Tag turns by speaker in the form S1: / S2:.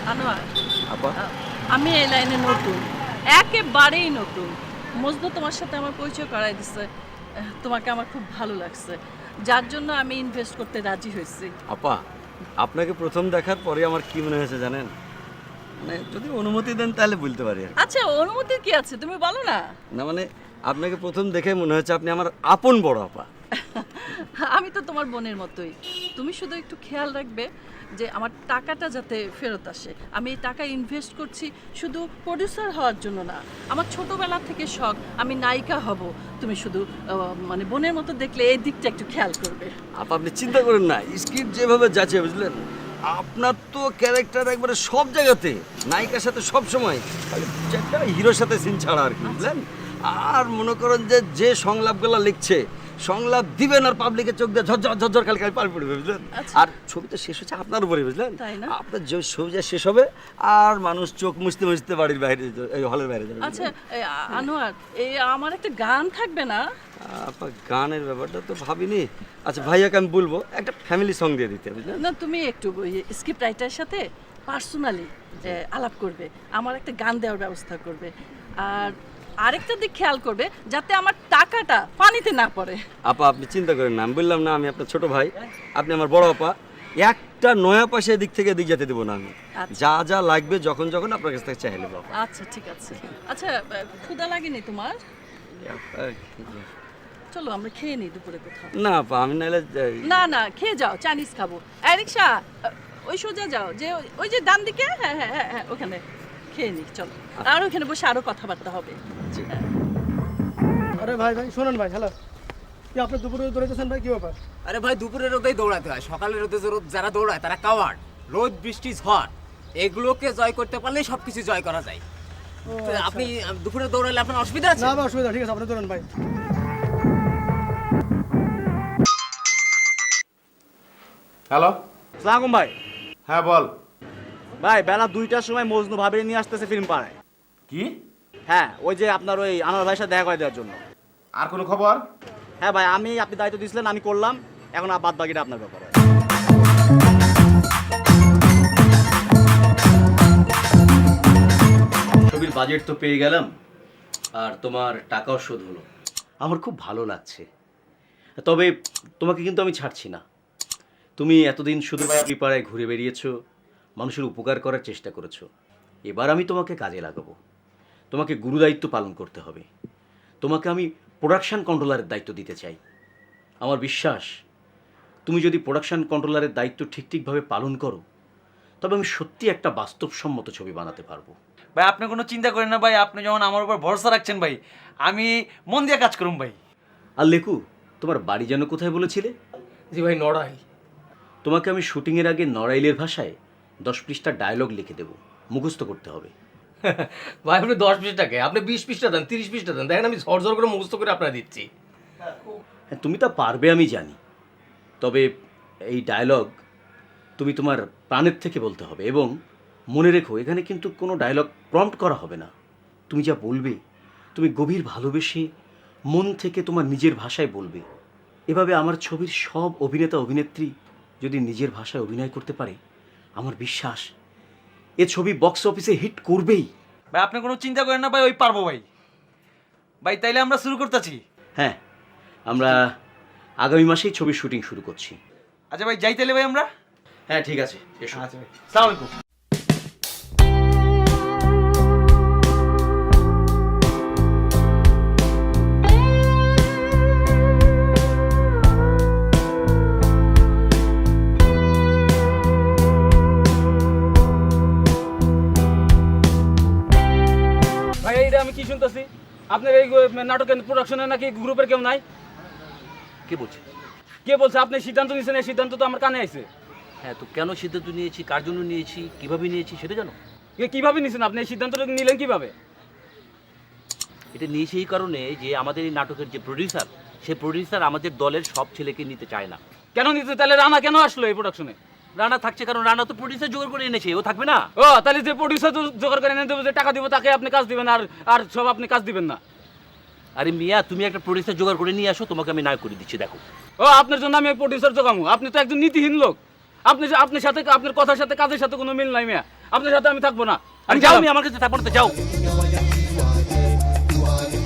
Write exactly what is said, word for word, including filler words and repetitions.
S1: আনোয়ার,
S2: আপা
S1: আমি এই লাইনে নতুন, একেবারেই নতুন। মজনু তোমার সাথে আমার পরিচয় করাই দিচ্ছে। তোমাকে আমার খুব ভালো লাগছে, যার জন্য আমি ইনভেস্ট করতে রাজি হয়েছি।
S2: আপা আপনাকে প্রথম দেখার পরে আমার কি মনে হয়েছে জানেন? মানে যদি অনুমতি দেন তাহলে বলতে পারি আর কি।
S1: আচ্ছা, অনুমতির কি আছে, তুমি বলো না।
S2: না মানে আপনাকে প্রথম দেখে মনে হচ্ছে আপনি আমার আপন বড় আপা।
S1: আমি তো তোমার বোনের মতোই। তুমি শুধু একটু খেয়াল রাখবে যে আমার টাকাটা যাতে ফেরত আসে। আমি এই টাকা ইনভেস্ট করছি শুধু প্রডিউসার হওয়ার জন্য না, আমার ছোটবেলা থেকে শখ আমি নায়িকা হব। তুমি শুধু আহ, মানে বোনের মতো দেখলে এই দিকটা একটু খেয়াল করবে।
S2: আপা আপনি চিন্তা করেন না, স্ক্রিপ্ট যেভাবে যাচ্ছে বুঝলেন, আপনার তো ক্যারেক্টার একবারে সব জায়গাতে নায়িকার সাথে সব সময়, খালি একটা হিরোর সাথে সিন ছাড়া আর কি বুঝলেন। আর মনে করেন যে যে সংলাপগুলো লিখছে, সংলাপ দিবেন আর পাবলিকের চোখ দিয়ে ঝরঝর ঝরঝর খালি খালি পাল পড়বে বুঝলেন।
S1: আচ্ছা।
S2: আর ছবিটা শেষ হচ্ছে আপনার উপরে বুঝলেন।
S1: তাই না?
S2: আপনার যে ছবিটা শেষ হবে আর মানুষ চোখ মুছতে মুছতে বাড়ির বাইরে এই হলের বাইরে যাবে।
S1: আচ্ছা এই আ- আনোয়ার, এই আমার একটা গান থাকবে না?
S2: আপা গানের ব্যাপারটা তো ভাবিনি। আচ্ছা ভাইয়াকে আমি বলবো একটা ফ্যামিলি সং দিয়ে দিতে বুঝলেন।
S1: না, তুমি একটু স্ক্রিপ্ট রাইটারের সাথে পার্সোনালি আলাপ করবে, আমার একটা গান দেওয়ার ব্যবস্থা করবে। আর আরেকটা দিক খেয়াল করবে যাতে আমার টাকাটা পানিতে না পড়ে।
S2: আপা আপনি চিন্তা করেন না, আমি বললাম না আমি আপনার ছোট ভাই, আপনি আমার বড় আপা। একটা নয়া পাশে এদিক থেকে এদিক যেতে দেবো না আমি।
S1: আচ্ছা।
S2: যা যা লাগবে যখন যখন আপনার কাছ থেকে চাইলে বাবা।
S1: আচ্ছা ঠিক আছে। আচ্ছা, আহ, ক্ষুধা লাগেনি তোমার? চলো আমরা খেয়ে নিই দুপুরে কোথাও।
S2: না আপা আমি নাহলে যাই।
S1: না না, খেয়ে যাও, চাইনিজ খাবো। এই রিক্সা, আহ, ওই সোজা যাও, যে ওই- ওই যে ডান দিকে, হ্যাঁ হ্যাঁ হ্যাঁ হ্যাঁ ওখানে খেয়ে নিই চলো। আর ওখানে বসে আরো কথাবার্তা হবে।
S2: জি।
S3: আরে ভাই ভাই শোনেন ভাই, হ্যালো, কি আপনি দুপুরে দৌড়াইতেছেন ভাই, কি ব্যাপার?
S4: আরে ভাই দুপুরের রোদেই দৌড়াতে হয়, সকালের রোদে রোদ যারা দৌড়ায় তারা কাওয়ার্ড। রোদ বৃষ্টি ঝড় এগুলোকে জয় করতে পারলেই সবকিছু জয় করা যায়।
S3: ও,
S4: তো
S3: আচ্ছা।
S4: আপনি আহ, দুপুরে দৌড়ালে আপনার অসুবিধা আছে?
S3: না ভাই অসুবিধা, ঠিক আছে আপনি দৌড়ান ভাই।
S5: হ্যালো,
S6: সালাম ভাই।
S5: হ্যাঁ বল।
S6: ভাই বেলা দুইটার সময় মজনু ভাবিয়ে নিয়ে আসতেছে ফিল্ম পাড়ায়।
S5: কি?
S6: হ্যাঁ, ওই যে আপনার ওই আনোয়ার ভাইয়ের সাথে দেখা করে দেওয়ার জন্য।
S5: আর কোনো খবর?
S6: হ্যাঁ ভাই, আমি আপনি দায়িত্ব দিয়েছিলেন, আমি করলাম, এখন আর বাদ বাকিটা আপনার ব্যাপার।
S7: ছবির বাজেট তো পেয়ে গেলাম, আর তোমার টাকাও শোধ হলো। আমার খুব ভালো লাগছে। তবে তোমাকে কিন্তু আমি ছাড়ছি না। তুমি এতদিন শুধু পাড়ায় ঘুরে বেরিয়েছো, মানুষের উপকার করার চেষ্টা করেছো। এবার আমি তোমাকে কাজে লাগাবো। তোমাকে গুরুদায়িত্ব পালন করতে হবে। তোমাকে আমি প্রোডাকশন কন্ট্রোলারের দায়িত্ব দিতে চাই। আমার বিশ্বাস তুমি যদি প্রোডাকশন কন্ট্রোলারের দায়িত্ব ঠিক ঠিকভাবে পালন করো, তবে আমি সত্যি একটা বাস্তবসম্মত ছবি বানাতে পারবো।
S8: ভাই আপনি কোনো চিন্তা করেন না ভাই, আপনি যখন আমার উপর ভরসা রাখছেন ভাই, আমি মন দিয়ে কাজ করুন ভাই।
S7: আর লেকু, তোমার বাড়ি যেন কোথায় বলেছিলে?
S4: জি ভাই, নড়াই।
S7: তোমাকে আমি শুটিংয়ের আগে নড়াইলের ভাষায় দশ পৃষ্ঠা ডায়লগ লিখে দেবো, মুখস্থ করতে হবে।
S9: ভাই আপনি দশ পৃষ্ঠাকে আপনি বিশ পৃষ্ঠা দেন, তিরিশ পৃষ্ঠা দেন, দেখেন আমি ঝরঝর করে মুখস্থ করে আপনার দিচ্ছি।
S7: হ্যাঁ, তুমি তা পারবে আমি জানি। তবে এই ডায়লগ তুমি তোমার প্রাণের থেকে বলতে হবে, এবং মনে রেখো এখানে কিন্তু কোনো ডায়লগ প্রম্পট করা হবে না। তুমি যা বলবে তুমি গভীর ভালোবেসে মন থেকে তোমার নিজের ভাষায় বলবে। এভাবে আমার ছবির সব অভিনেতা অভিনেত্রী যদি নিজের ভাষায় অভিনয় করতে পারে, আমার বিশ্বাস এ ছবি বক্স অফিসে হিট করবেই।
S8: ভাই আপনি কোনো চিন্তা করেন না ভাই, ওই পারবো ভাই। ভাই তাইলে আমরা শুরু করতেছি।
S7: হ্যাঁ, আমরা আগামী মাসেই ছবির শুটিং শুরু করছি।
S8: আচ্ছা ভাই যাই তাইলে ভাই আমরা।
S7: হ্যাঁ ঠিক আছে, এসো।
S8: আচ্ছা ভাই, সালাম আলাইকুম।
S6: ভাই এইটা আমি কি শুনতেছি, আপনার এই নাটকের প্রোডাকশনে নাকি গ্রুপের কেউ নাই?
S10: কে বলছে?
S6: কে বলছে? আপনি সিদ্ধান্ত নিয়েছেন, এই সিদ্ধান্ত তো আমার কানে আইছে।
S10: হ্যাঁ, তো কেন সিদ্ধান্ত নিয়েছি, কার জন্য নিয়েছি, কিভাবে নিয়েছি সেটা জানো?
S6: এ কিভাবে নিয়েছেন আপনি? এই সিদ্ধান্তটা নিলেন কিভাবে?
S10: এটা নিয়েছি এই কারণে যে আমাদের এই নাটকের যে প্রডিউসার, সেই প্রডিউসার আমাদের দলের সব ছেলেকে নিতে চায় না।
S6: কেন নিতে? তাহলে রানা কেন আসলো এই প্রোডাকশনে?
S10: রানা থাকছে কারণ রানা তো প্রডিউসার জোগাড় করে এনেছে, ও থাকবে না?
S6: ও তাহলে যে প্রডিউসার জোগাড় করে এনে দেবো, যে টাকা দিব তাকে আপনি কাজ দিবেন, আর আর সব আপনি কাজ দিবেন না?
S10: আরে মিয়া, তুমি একটা প্রডিউসার জোগাড় করে নিয়ে আসো, তোমাকে আমি না করে দিচ্ছি। দেখো,
S6: ও আপনার জন্য আমি প্রডিউসার জোগামু? আপনি তো একজন নীতিহীন লোক। আপনি আপনার সাথে আপনার কথার সাথে কাজের সাথে কোনো মিল নাই মিয়া, আপনার সাথে আমি থাকবো না,
S10: আর
S6: আমি
S10: যাও
S6: গেলাম।
S10: আমি আমার কাছে থাকবো না, যাও।